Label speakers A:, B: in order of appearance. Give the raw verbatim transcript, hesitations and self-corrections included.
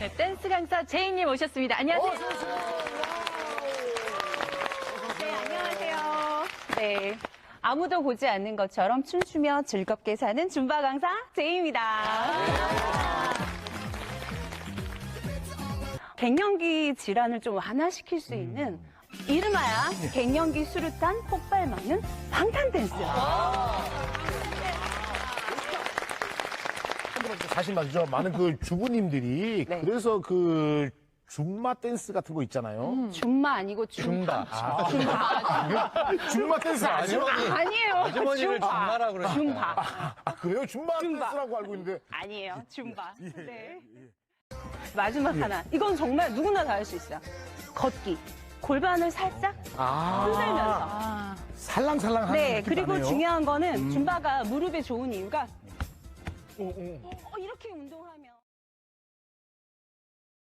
A: 네, 댄스 강사 제이님 오셨습니다. 안녕하세요. 네, 안녕하세요. 네. 아무도 보지 않는 것처럼 춤추며 즐겁게 사는 줌바 강사 제이입니다. 갱년기 질환을 좀 완화시킬 수 있는 이름하야 갱년기 수류탄 폭발 막는 방탄 댄스.
B: 사실 말이죠. 많은 그 주부님들이
A: 네.
B: 그래서 그 줌마 댄스 같은 거 있잖아요.
A: 줌마 아니고 줌바.
B: 아, 줌마 댄스 아니에요?
A: 아니에요.
C: 아주머니를
A: 줌바.
C: 줌마라 그러니까.
A: 줌바.
B: 아, 그래요? 줌마
A: 줌바.
B: 댄스라고 알고 있는데.
A: 아니에요. 줌바. 네. 마지막 하나. 이건 정말 누구나 다 할 수 있어요. 걷기. 골반을 살짝
B: 아,
A: 흔들면서.
B: 살랑살랑 하는
A: 네.
B: 느낌
A: 그리고
B: 나네요.
A: 중요한 거는 줌바가 무릎에 좋은 이유가 어, 이렇게 운동하면